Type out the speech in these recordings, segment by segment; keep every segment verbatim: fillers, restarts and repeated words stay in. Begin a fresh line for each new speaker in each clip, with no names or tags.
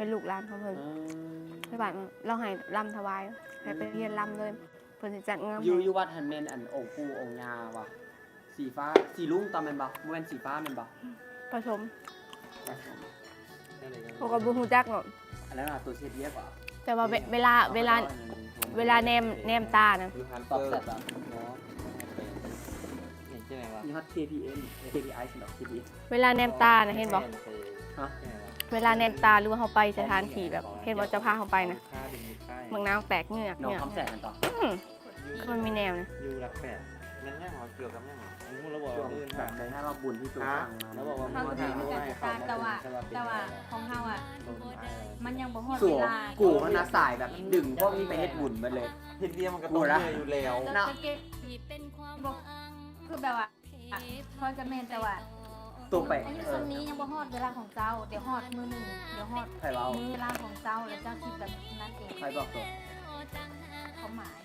เป็นลูกหลานของเพิ่นไปบ้านเราให้ลำถวายให้ไปเรียนลำเลยเพิ่นสิจัดงาน
อยู่อยู่วัดหันแม่นอันองค์ปู่องค์ย่าบ่สีฟ้าสีลุงตอนแม่นบ่บ่แม่นสีฟ้าแม่นบ่
ผสมพวกก็บ่ฮู้จักเนาะ
อันนั้นน่ะตัวเช็ดเย็บอ่ะ
แต่ว่าเวลาเวลาเวลาแนมแนมตานะ
ตอบแซ่บอ่ะเนาะนี่ใช่ไหมวะนี่ฮอต เค พี เอ็ม เค พี ไอ สำหรับ เค พี เอ็ม
เวลาแนมตานะเห็นบ่
ฮะ
เวลาแนมตาหรือว่าเฮาไปสถานที่แบบเห็นบ่จะพาเฮาไปนะเมืองน้ำแตกเหงือก
น้อง
เนี่ย
คำแสงกันต่อ
อืมมันมีแนวนะ
อยู่หลักแปดมันแน่หอเกี่ยวกับแน่หออันนี้เราบอก
ว่าอื่นแบบในถ้าเราบุญที่ตัวสั่งมา
แล้วบอกว่า
เขาคือมีการจัดการแต่ว่าแต่ว่าของเขาอ่ะมันยังบ่ฮอดเวลา
กูมันน่ะสายแบบดึงพวกนี้ไปเฮ็ดบุญมาเลย
เฮ็ดเรียมันก็ต้องเหนื่อยอยู่แล้ว
เนาะคือแบบว่าคอยกับแม่แต่ว่า
ตัวไป
อันนี้ส่วนนี้ยังบ่ฮอดเวลาของเจ้าเดี๋ยวฮอดมื้อนึงเดี๋ยวฮอดมื้อเวลาของเจ้าแล้วเจ้าคิดแบบนั้นเอง
ใครบอกตัว
เขาหมาย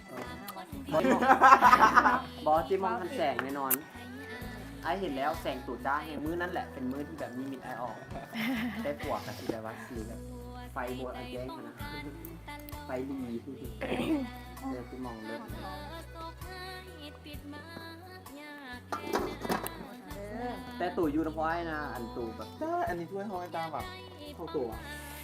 บอสที่มองทันแสงแน่นอนไอเห็นแล้วแสงตูดจ้าเห็นมื้อนั่นแหละเป็นมื้อที่แบบมีมิดไอออกได้ปวกกับสีแบบว่าสีแบบไฟบวชอันแจ้งนะไฟดีเดี๋ยวที่มองเลิศแต่ตู่อยู่น้ำพอยนะอันตู่แบบ
อันนี้ถ้วยห้อยตาแบบ
เข้าตัว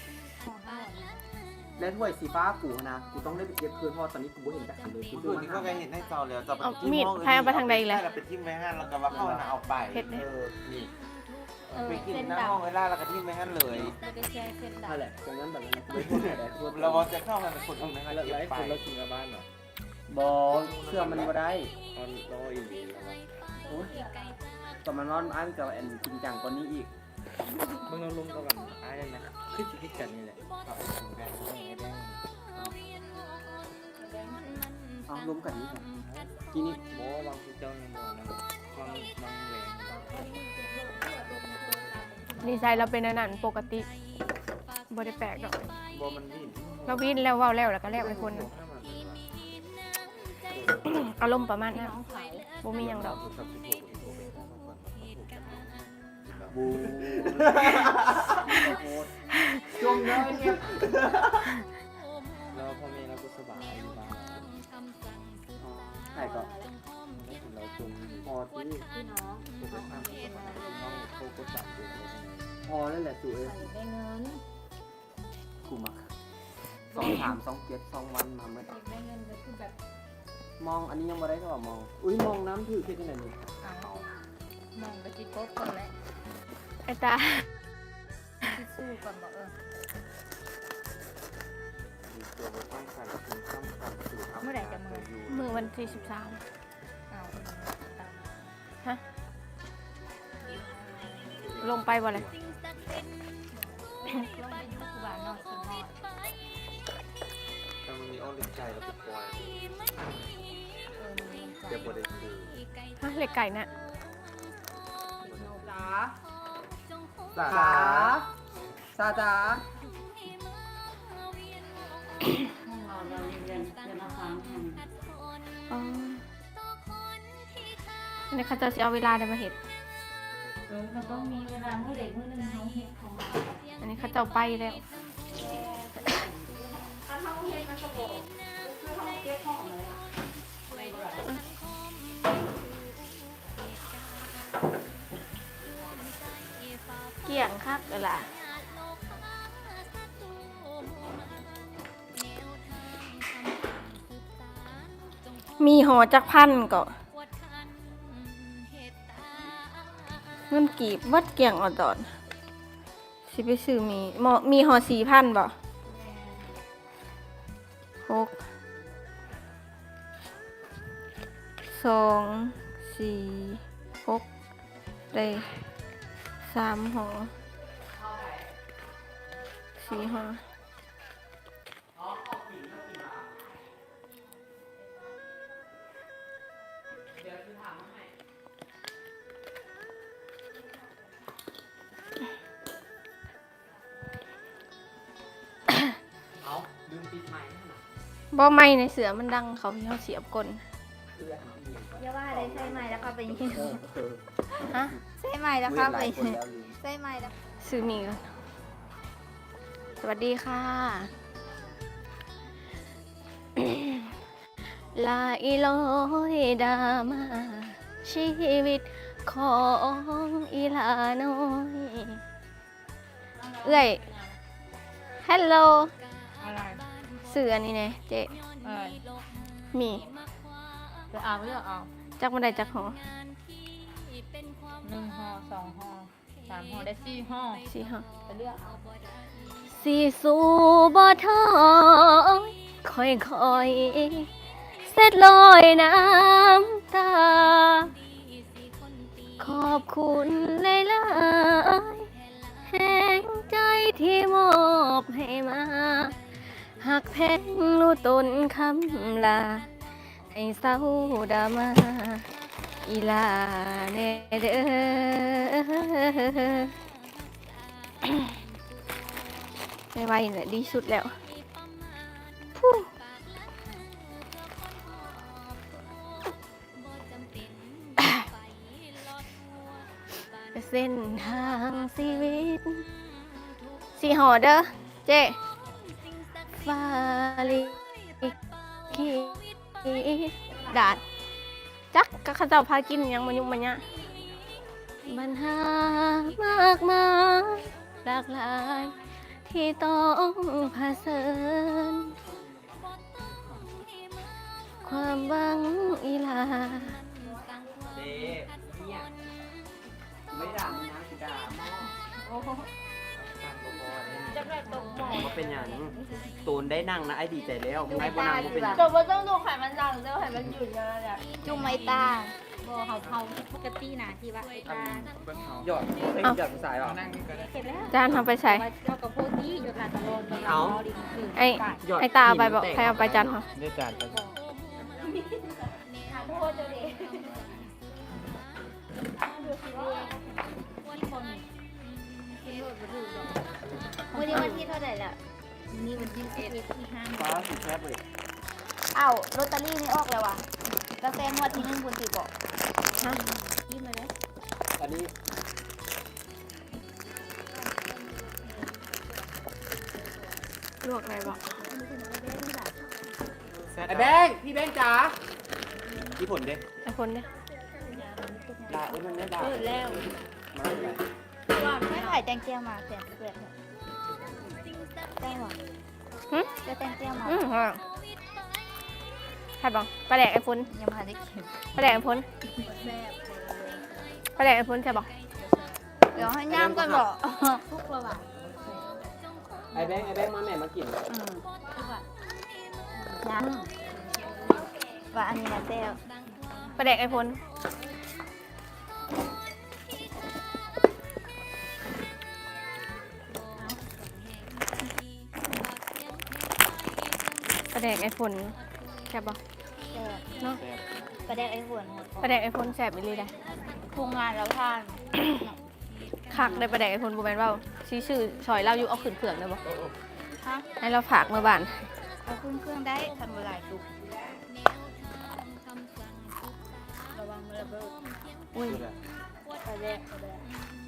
และถ้วยสีฟ้ากูนะกูต้องได้ไปเก็บคืนเพราะตอนนี้กูไม่เห็นจากคันเลยกู
ดูนี่ก็แกเห็นให้เจ้าแล้วจะไป
มีดใครเอาไปทางใดอีกแล้ว
เราไปทิ้งไว้ห้านแล้วก็ว่าเข้าเอาไปเออนี่ไปกินหน้าห้องเวลาเราก็ทิ้งไว้ห้านเลย
นั่นแหละดังนั้นแบบนั้นไม่พูดอะไรพูด
เราจะเข้ามาเป็นคนตรงนั้นเราเก็บไป
เรากินกับบ้านเหรอบอเชื่อมันมาได้
ตอนรออีก
แต่มันร้อนอ้างกับแอนจริงจังกว่านี้อีก
มึงเราลงกับอ้ายได้ไหมคือคิดกันนี่แหละ
เอาล้มกันนี่ก่อนกินนี่
โบ้บางทีเจ้าเนี่ยบ่นะความบางแหวน
ดีไซน์เราเป็นอันนั้นปกติบ่ได้แปลกดอก
โบ้มันวิ่ง
เราวิ่งแล้วว้าวแล้วแล้วก็แล้วไอ้คนนึงอารมณ์ประมาณนั้นบ่มีหยังดอก
บูจมเลยเนี่ย
แล้วพ่อแม่เราก็สบายอยู่บ้าน
ใช่ก็
เราจม
พอที่
พี่น้อง
ตัวไปทำน้องโคก็สั่งอยู่
พอแล้วแหละตัวเอง
ได้เงิน
กูมาสองสามสองเจ็ดสองวันมาเมื่อ
ได้เงินก็คือแบบ
มองอันนี้ยังไม่ได้ก็ว่ามองอุ้ยมองน้ำถือแค่ที่ไหนนี่
มองไปที่โป๊ะก่อนแหละ
ไอ้ตา
ที่สู้ก่อนบอกเออเมื่อไหร่จะมือ
มือวันที่สิบสามฮะลงไปบ่เลย
ลงไปยุคบ้านนอกกินหอด
แต่มันมีอ้อมเล็กไก่แล้วก็ปล่อยเดี๋ยวบดได้คือ
ฮะเล็กไก่น่ะ
สาสาจ้า
ห้องเราเราเรียนเรียนมาฟัง
อ๋อในเขาจะเอาเวลาได้มาเห็ด
เออมันต้องมีเวลาเมื่อเด็กเมื่อนึงเขาเห็ดของเรา
อันนี้เขาจะไปแล้ว
ถ้าเขาเห็ดมันก็บอกคือเขาเก็บของเลย
เกี่ยงคักเลยล่ะมีห่อจักพันก็เงินกีบวัดเกี่ยงอดดอนสิไปซื้อมีมีห่อสี่พันบ่หกสองสี่หกได้สามห่อสี่ห่อบ่ไม่ในเสือมันดังเขาพี่เขาเสียบกล
อย่าว่าได้ใช่ไหมแล้วก็ไปยิง
ฮะ
ใช่ไหมแล้วก็ไปใช่ไหมแล้ว
ซื้อมีกันสวัสดีค่ะ ลาอีลอยดามา ชีวิตของอีลาน้อยเอ้ยฮัลโหล
อะไร
เสือนี่ไงเจ๊
อะไร
มี
จะเอาไม่เอา
จักบันไดจักหอ
หนึ่งห่อสองห่อสามห่อได้สี่ห่อ
สี่หอ
ไปเลือกเอา
สีสูบ่ทอยค่อยค่อยๆเสร็จลอยน้ำตา ขอบคุณหลายๆแห่งใจที่มอบให้มาหักแพงรู้ตนคำลา ให้เศร้าดามาอีลาเนเด้อ ไม่ไหวเนี่ยดีสุดแล้วพู้เส้นทางชีวิตสีหอเด้อเจ๊ฟาลิกีดาดจักก็ข้าเจ้าพากินหยังมันยุ่งมันยะปัญหามากมายหลากหลายที่ต้องเผชิญความหวังอีลา
เด้เนี่ยไม่ด่ามึงนะกูด่าหม้อ
โอ้โหจะแบบตกหมอ
มาเป็นอย่างตูนได้นั่งนะไอ้ดีใจแล้วมึงไอ้บ่นั่งมึงเป็นอย่าง
จบว่าต้องดูไขมันดังเจ้าไขมันหยุดแล้วเนี่ยจุ่มไม้ตาบ่เขาเขาปกตินะที่ว่าไอ้ตา
หยอดเอ้ยหยอดผู้ชายหรอ
เสร็จแล้ว
จานทำไปใส่
เรากับพวกนี้หยุดลาตลอด
เอา
ไอ้
หยอด
ไอ้ตาเอาไปบอกใครเอาไปจานเหรอ
ได้จานไป
ทานโทษเจ้าเด็กวันนี้วันที่เท่าไหร่ล่ะนี่วันที่สิบเอ็ดที่ห้า
ฟ้าสีแคบเลย
อ้าวลอตเตอรี่นี่ออกแล้ววะกาแฟงวดที่หนึ่งคุณสิบอก
ฮะ
ยิ้มมาเลย
อันนี้
ลวกอะไรบอก
ไอ้แบงค์พี่แบงค์จ๋าพี่ผลเด้
ไอ้คนเนี่ย
ด่าเอ้ยมันไม่ด่า
เปิดแล้ว
มาเลย
ก่อนไม่ถ่ายแตงเจียวมาแตงเปลือกแตงหรอ
หึ
จะแตงเจียวมา
อืมฮะใครบอกปลาแดกไอ้ฝน
ยังมาได้เข็ม
ปลาแดกไอ้ฝนปลาแดกไอ้ฝนใช่บอก
เดี๋ยวให้ย่ามก่อนบอกทุกระหว่าง
ไอ้แบงค์ไอ้แบงค์มาแม่มากิน
อืมยังว่าอันนี้นะเจ้า
ปลาแดกไอ้ฝนปลาแดกไอ้ฝนใช่บอก
แซ่บ
เนาะ
กระเด็กไอ้หัว
ปลาแดกไอ้ฝนแสบไปเลยได้
ปรุงงานแล้วทาน
คักได้ปลาแดกไอ้ฝนบูแมนเว่าชื่อชื่อซอยเล่าอยู่เอาขึ้นเขื่องได้บอก
ฮะ
ให้เราฝากเมื่อบ้าน
เอาขึ้นเครื่องได้ทันเวลาตุกระวังมือระเบิด
อุ้ย
กระเด็กกระเด็ก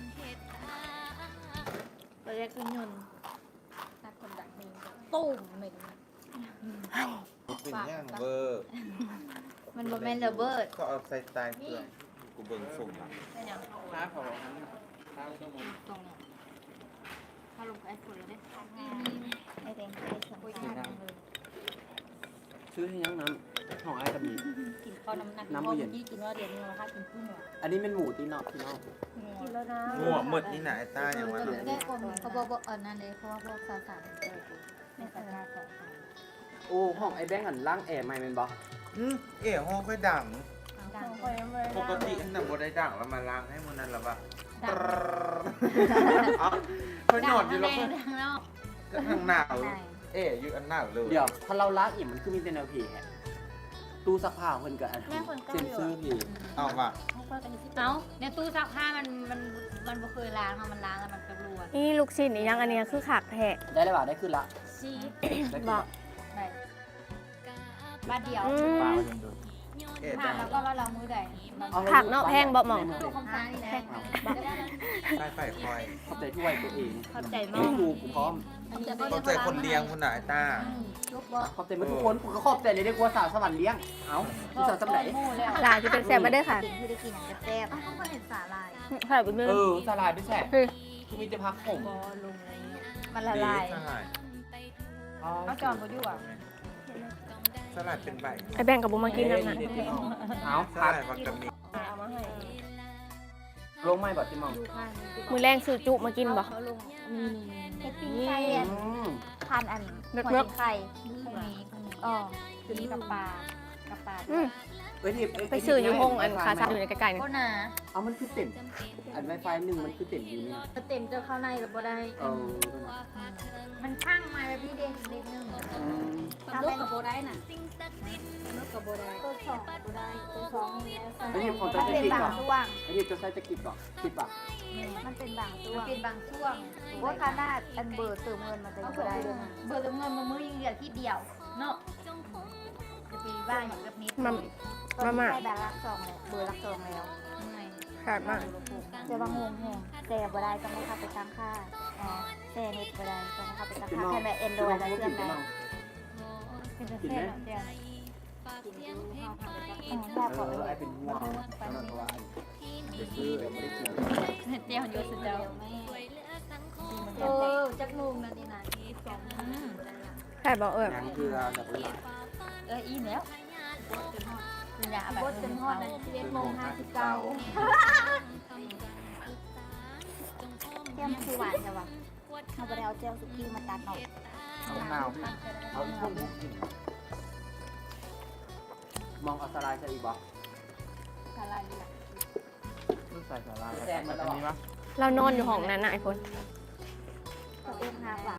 กระเด็กขึ้นยนต์ตัดคนดักเองตุ้มเหม็น
เป็นย่างเวอร์
มันบ่แม่นระเบิด
ก็เอาใส่ตายเกลือกูเบิ่งส่งอ่ะ
เป็นอย่าง
น้าขอ
ตรงเนี่ยถ้าลงไปไอ้ฝุ่นแล้วได้ทำงานไอ้แดงไอ้สมุนไพรเลย
ชื่อให้ยังน้ำของไอ้กระบี่
กินข้าวน้ำหนัก
น้ำ
พ่อ
บ่เย็
เมื่อน กี้กินว่าเดี๋ยวนี้เราค่ะกินกุ้งเหรอ
อันนี้เป็นหมูตีนอกพี่น้อง
กินแล้วนะ
งัวหมดนี่นะไอ้ต้าอย่างวันนั้น
ได้คนเขาบอกว่าเออนั่นเลยเพราะว่าพวกสาวสาวไม่สามารถสาวสาว
โอ้ห้องไอ้แบงค์หันล่างแอร์ใหม่เป็นบ่
อืมเอ๋ห้องค่อยดัง
ดัง
ปกติอันนั้นบ่ได้ดังแล้วมาล้างให้มันนั่นละปะ
ดัง
เอ้าเขาหยอดอยู่แล้ว
ดังนอก
ก็ทางหนาวเอ๋อยู่อันหนาวเลย
เดี๋ยวถ้าเราล้างอิ่มมันคือมีแต่แนวผีแฮะตู้ซักผ้าเพิ่นก็อัน
แม่คนเก้า
เซ็น
อยู่
ซื้อผี
เอาว่ะ
เอาในตู้ซักผ้ามันมันมันบ่เคยล้างค่ะมันล้างแล้วมันกระรัว
นี่ลูกชิ้นอีกอยังอันเนี้ยคือขากแทะ
ได้เลยป่ะได้ขึ้นละ
ซี
ได้ขึ้น
บอ
ละ
ก
ได้บ้านเดียว
อื
ปลาม มันยังดูเอ็ด
ผ่านแล้วก็ว่าเรามือใด
เอาให้
ผักเนาะแพงบ่หม่อง
ตัวคำสั่งนี่แหละ
ใช่ไฟคอย
ขอบใจช่วยตัวเอง
ขอบใจมาก
กูกูกูพร้อม
เข้าใจคนเลี้ยงคุณหน่ายตา
ลูกบ่
ขอบใจมาทุกคนกูก็ขอบใจเลยได้กลัวสาวสวรรค์เลี้ยงเอ้าพี่สาวสำไหน
หลานที่เป็นแซ่บมาเด้อค่ะ
สิ่งที่ได้กินอย่างแซ่บๆอ้าวเขาก็เห็นสาลาย
ค่ะเป็นมือ
เออสลายด้วยแซ่บ
คือ
คือมีจะพักผม
บอลงอะไรเงี้ยมันละลาย
สลาย
เอาจอนบ่อยู่อ่ะ
สลายเป็นใบ
ไอ้แบ่งกับบุมากินน้ำนะ
เอา
ส
พัก
ลายวักกะมิ
เอามาให้
ลงไม่บ่จิมอง
ดูข้างนี้
มือแรงซื้อจุมากินบ่
เขาลงนี่เฮ็ดปิ้งไข่อัน
อืม
พันอัน
เลิศ
หัว
เลิศ
ไข่อ๋อคือนี้กับปลากับปลา
อืม
เอ้ยนี่
ไปซื้ออยู่ห้องอันคาซาอยู่ในใกล้ๆนี่
ก็หนา
เอามันคือเต็มอันไวไฟหนึ่งมันคือเต็มอยู่นี่
เต็มจะเข้าในหรือบ่ได้
เออ
มันข้างมาแบบพี่เด็กเด็กนึง
อืม
ทำกับโบได้น่ะลูกกับโบได้ตัวสองโบได้ตัวสองนี่
ไอ้นี่ของ
มั
จะ
น
จะ
เป็น
กิน
บา
ก่
ง
อน
ช่วง
ไอ้นี่จะใช้จะกินก่อนคิดป่ะ
มันเป็นบางช่วงมันเป็นบางช่วงว่าขนาดอันเบอร์เติมเงินมันจะอยู่ได้เบอร์เติมเงินมันมือยิงเดียวที่เดียวเนาะจะปีบ้านอย่างกับนิด
มามามา
ใช่แบบรักสองเลยเบอร์รักสองแล้ว
ขาดมาก
จะบางงงแหงแต่บ่ได้ต้องไม่เข้าไปตั้งค่าอ๋อแต่เน็ตบ่ได้ต้องเข้าไปตั้งค่าแค่แบบเอ็นโดรยแล้วเครื่องไหนเป็นเส้นเดียวกินดูเข้าเข้าไปตั้ง
เออไอ้เป็นห่วงแล้วก็ว่าเดี๋ยวซื้อเดี๋ยวไม่ได้กิน
เดียวอยู่สุดเดียวเออจักนุงนั่นนี่นะสอง
ขาดบ่เออ
ยังคือเราจะไปหลาย
เอออีแล้วคุณยาแบบจนฮอดสิบเอ็ดโมงห้าสิบเก้าเจ้าคือหวานใช่ปะเอาไปเอาเจลสุกี้มาตัดหน่อย
เอาหนาวเอาช่วงบุกกินมองเอาสลายใส่อีกบ่
อะไรนี่ล่ะ
ใส่สลาย
แซงมาตลอด
เรานอนอยู่ห้องนั้นน่ะไอ้คน
ตัวเองหาหวาน